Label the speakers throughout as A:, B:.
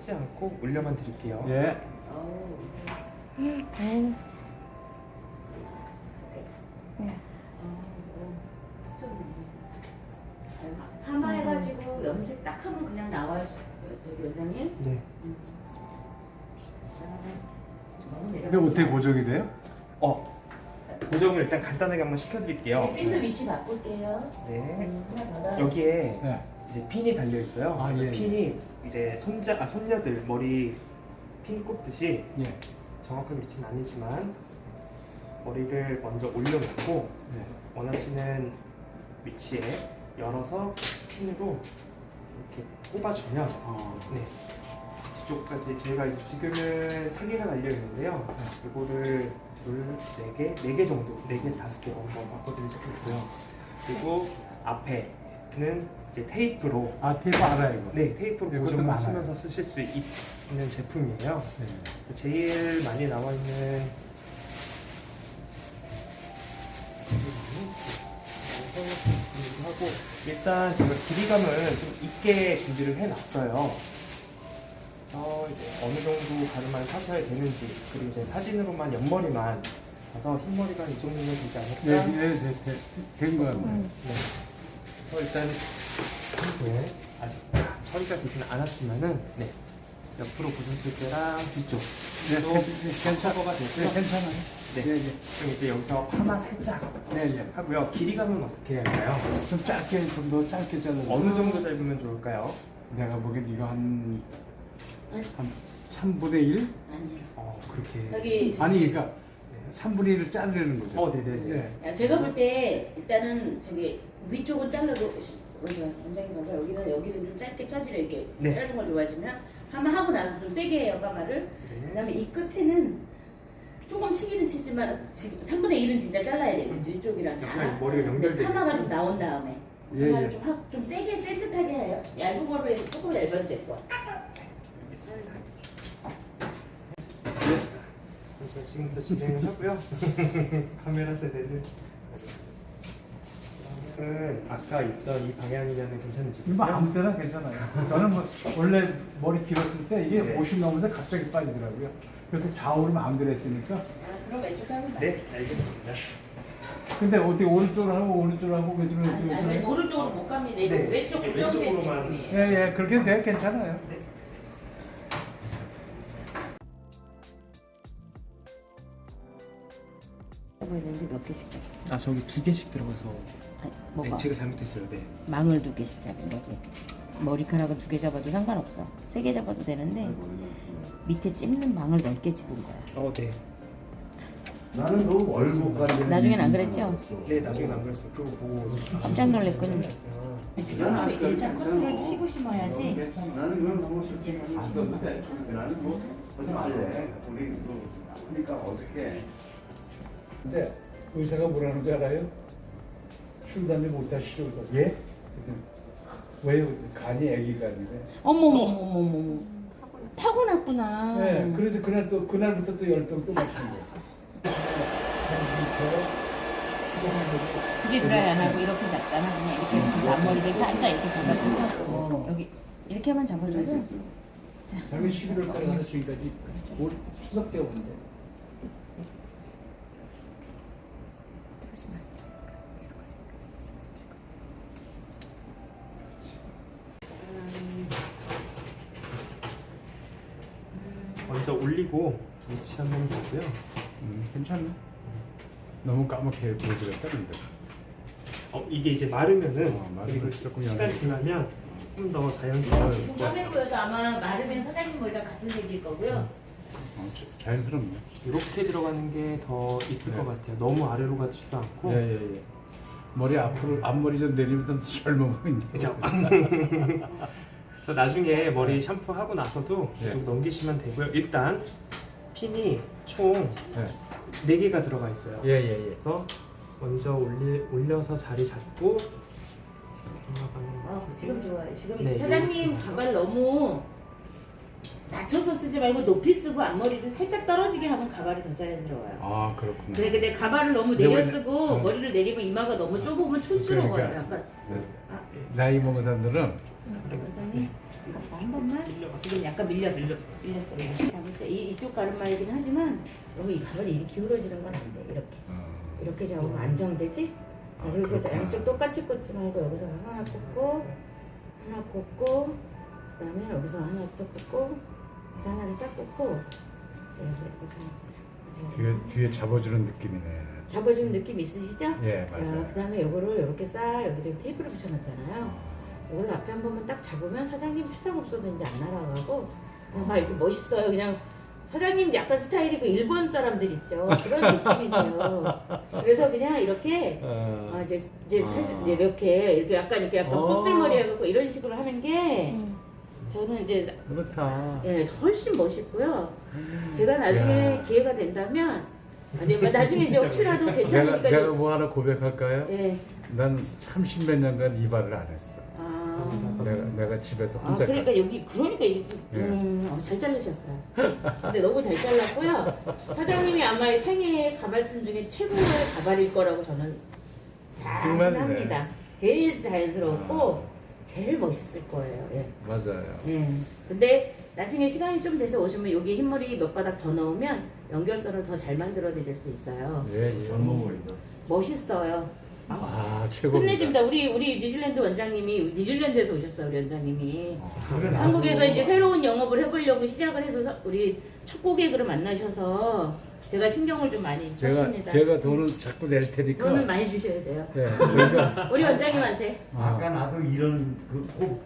A: 하지 않고 올려만 드릴게요.
B: 예.
C: 파마해가지고 염색 딱 하면 그냥 나와요, 저기 원장님?
A: 네.
B: 근데 어떻게 고정이 돼요?
A: 고정을 일단 간단하게 한번 시켜드릴게요.
C: 핀도 위치 바꿀게요.
A: 네.
C: 하나 더 나.
A: 여기에
B: 네.
A: 이제 핀이 달려 있어요.
B: 아,
A: 그래서
B: 예,
A: 핀이 이제 손녀들 머리 핀 꼽듯이
B: 예.
A: 정확한 위치는 아니지만 머리를 먼저 올려놓고
B: 네.
A: 원하시는 위치에 열어서 핀으로 이렇게 꼽아주면 네. 뒤쪽까지 저희가 이제 지금은 3개가 달려 있는데요. 이거를 둘, 4개, 4개 정도, 4개에서 5개로 한번 바꿔드릴 수 있고요. 그리고 앞에는 이제 테이프로
B: 아, 테이프 알아요, 이거.
A: 네, 테이프로
B: 이것도
A: 고정을
B: 많아요.
A: 하시면서 쓰실 수 있는 제품이에요.
B: 네.
A: 제일 많이 나와 있는 하고 일단 제가 길이감을 좀 있게 준비를 해놨어요. 그래서 이제 어느 정도 가르마를 사셔야 되는지 그리고 이제 사진으로만 옆머리만 봐서 흰머리가 이 정도면 되지 않을까?
B: 된 거야.
A: 네. 그래서 일단 평소에 아직 처리가 되지는 않았지만은 네. 옆으로 보셨을 때랑 뒤쪽
B: 네,
A: 또 괜찮거가 됐고요.
B: 네, 괜찮아요.
A: 네.
B: 예, 예.
A: 그럼 이제 여기서 파마 살짝
B: 네, 예.
A: 하고요. 길이감은 어떻게 해야 할까요?
B: 좀 짧게, 좀 더 짧게 잘라.
A: 어느 정도 짧으면 좋을까요?
B: 내가 보기엔 이거 한 3분의 1?
C: 아니요.
A: 그렇게.
C: 저기
B: 아니, 그러니까 3분의 1을 자르는 거죠.
A: 네네네.
B: 네.
C: 야, 제가 볼 때 일단은 저기 위쪽은 잘라도 원장님 봐봐, 여기는 좀 짧게 짜주려 이렇게
A: 네.
C: 자른 걸 좋아하시면 파마 하고 나서 좀 세게 해요 파마를.
A: 네.
C: 그다음에 이 끝에는 조금 치기는 치지만 지금 3분의 1은 진짜 잘라야 돼요. 위쪽이랑 다.
A: 약간 머리가 연결돼
C: 파마가 좀 나온 다음에
B: 예,
C: 파마를
B: 예.
C: 좀 세게 센듯하게 해요. 얇은 걸로 해서 조금 얇아도 되고.
A: 알겠습니다. 제가 지금부터 진행을 하고요. 카메라 세대는 아까 있던 이 방향이면 괜찮으시겠어요?
B: 이거 아무 때나 괜찮아요. 저는 뭐 원래 머리 길었을 때 이게
A: 네.
B: 50 넘으면서 갑자기 빠지더라고요. 그래서 좌우로 마음대로 했으니까.
C: 그럼 왼쪽 하면
A: 네, 알겠습니다.
B: 근데 어떻게 오른쪽으로 하고 오른쪽으로 하고 왼쪽으로
C: 아니,
B: 하고
C: 오른쪽으로 못 갑니다. 이거
A: 네.
C: 왼쪽
A: 이게 왼쪽으로만.
B: 예, 예, 그렇게 해도 돼. 괜찮아요.
C: 하고 있는데 몇 개씩 잡아?
A: 저기 2개씩 들어가서
C: 아니, 뭐가?
A: 제가 잘못했어요. 네.
C: 망을 2개씩 잡은 거지. 머리카락은 2개 잡아도 상관없어. 3개 잡아도 되는데 밑에 찝는 망을 넓게 집은 거야.
A: 네.
D: 나는 너 월급 가지고
C: 나중엔 안 그랬죠?
A: 네, 나중에 안 그랬어요. 그거 보고
C: 깜짝 놀랐거든.
D: 나는
C: 1차 커트를 치고 심어야지.
D: 나는 그런 방법 쓸줄 안 썼는데 나는 뭐 하지 말래 우리 그러니까 어색해.
B: 근데 의사가 뭐라는 줄 알아요? 출산을 못하시죠? 그래서 예? 그랬더니 왜요? 간이 아기가 아니래.
C: 어머머머머머. 타고났구나.
B: 네, 그래서 그날부터 또 열병 또 마신 거예요.
C: 그게 드라이 안 하고 이렇게 잡잖아. 그냥 이렇게 해서 앞머리를 살짝 이렇게 잡아주고 여기 이렇게만 잡아줘도
B: 작년 11월 달에 가서 지금까지 올 추석 때 오는데.
A: 먼저 올리고 위치하면 되고요.
B: 괜찮네. 너무 까맣게 보여드렸다 근데.
A: 이게 이제 마르면은
B: 마르면
A: 그리고
B: 조금
A: 시간이
B: 연해.
A: 지나면 좀 더 자연스러워요.
C: 지금 화면 보여도 아마 마르면 사장님 머리랑 같은 색일 거고요.
B: 자연스럽네.
A: 이렇게 들어가는 게 더 이쁠
B: 네.
A: 것 같아요. 너무 아래로 가지도 않고.
B: 예예예. 머리 앞으로 앞머리 좀 내리면 좀 젊어 보이는데.
A: 그죠? 그래서 나중에 머리 샴푸하고 나서도 계속
B: 네.
A: 넘기시면 되고요. 일단 핀이 총
B: 예.
A: 4개가 들어가 있어요.
B: 예예예.
A: 그래서 먼저 올려서 자리 잡고
C: 지금 좋아요. 지금
A: 네,
C: 사장님
A: 이렇게
C: 가발 너무 낮춰서 쓰지 말고 높이 쓰고 앞머리를 살짝 떨어지게 하면 가발이 더 자연스러워요.
B: 아 그렇구나.
C: 그래 근데 가발을 너무
B: 네,
C: 내려
B: 원래-
C: 쓰고 머리를 내리면 이마가 너무 좁으면 촌스러워요.
B: 그러니까.
C: 약간
B: 나이 먹은 사람들은
C: 원장님 한 번만. 지금 약간 밀렸어. 밀렸어. 잡을 때 이쪽 가르마이긴 하지만 너무 이 가발이 이렇게 기울어지는 건 안 돼. 이렇게. 이렇게 잡으면 안정되지? 자, 그리고
B: 그렇구나.
C: 양쪽 똑같이 꽂지 말고 여기서 하나 꽂고 하나 꽂고 그다음에 여기서 하나 또 꽂고 그래서 하나를 딱 꽂고 자, 이제
B: 뒤에 잡아주는 느낌이네.
C: 잡아주는 느낌 있으시죠?
B: 예,
C: 자,
B: 맞아요.
C: 그다음에 요거를 이렇게 싹 여기 지금 테이프를 붙여놨잖아요. 이걸 앞에 한 번만 딱 잡으면 사장님 세상 없어도 이제 안 날아가고 그냥 막 이렇게 멋있어요. 그냥 사장님 약간 스타일이 그 일본 사람들 있죠. 그런 느낌이세요. 그래서 그냥 이렇게 이제 사실 이제 이렇게 약간 곱슬머리 해갖고 이런 식으로 하는 게 저는 이제
B: 그렇다.
C: 예 훨씬 멋있고요. 제가 나중에
B: 야.
C: 기회가 된다면 아니면 나중에 이제 혹시라도 괜찮으니까
B: 내가 뭐 하나 고백할까요?
C: 예.
B: 난 30몇 년간 이발을 안 했어.
C: 아.
B: 내가 집에서
C: 아,
B: 혼자.
C: 그러니까 여기 이게 잘 자르셨어요. 근데 너무 잘 잘랐고요. 사장님이 아마 이 생애 가발씀 중에 최고의 가발일 거라고 저는
B: 정말이네.
C: 자신합니다. 제일 자연스럽고 제일 멋있을 거예요. 예.
B: 맞아요.
C: 예. 근데 나중에 시간이 좀 돼서 오시면 여기 흰머리 몇 바닥 더 넣으면 연결선을 더 잘 만들어 드릴 수 있어요.
B: 예, 예.
D: 젊어 보인다.
C: 멋있어요.
B: 아, 최고입니다.
C: 끝내줍니다. 우리 뉴질랜드 원장님이 뉴질랜드에서 오셨어요. 우리 원장님이.
D: 그래,
C: 한국에서
D: 나도
C: 이제 새로운 영업을 해보려고 시작을 해서 우리 첫 고객으로 만나셔서 제가 신경을 좀 많이 썼습니다.
B: 제가 돈은 자꾸 낼 테니까.
C: 돈을 많이 주셔야 돼요.
B: 네, 그러니까
C: 우리 원장님한테.
D: 아까 나도 이런 꼭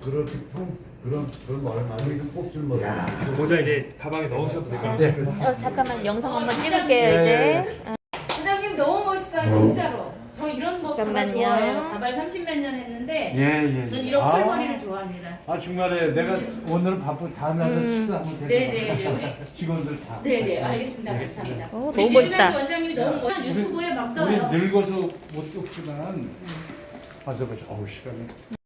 D: 그런 말을 많이 이런 꼽줄 모르.
A: 모자 이제 가방에 넣으셔도 될 것
B: 네.
A: 같습니다.
E: 잠깐만 영상 한번 찍을게요
B: 네.
E: 이제.
C: 원장님 너무 멋있어요. 진짜로. 저 이런 거 가발
E: 잠깐만요.
C: 좋아해요. 가발 30몇 년 했는데
B: 예.
C: 전 이런 컬머리를 좋아합니다.
B: 아, 정말에 내가 오늘은 바쁜 다음에 와서 식사 한번 데리고
C: 네네.
B: 가자. 직원들 다.
C: 네네. 알겠습니다. 감사합니다.
E: 오,
C: 우리
E: 너무 멋있다.
C: 뉴질랜드 원장님이 너무 멋있어요. 유튜브에 막
B: 우리
C: 떠요.
B: 늙어서 못 쫓지만 와서 보자. 어우, 시간이.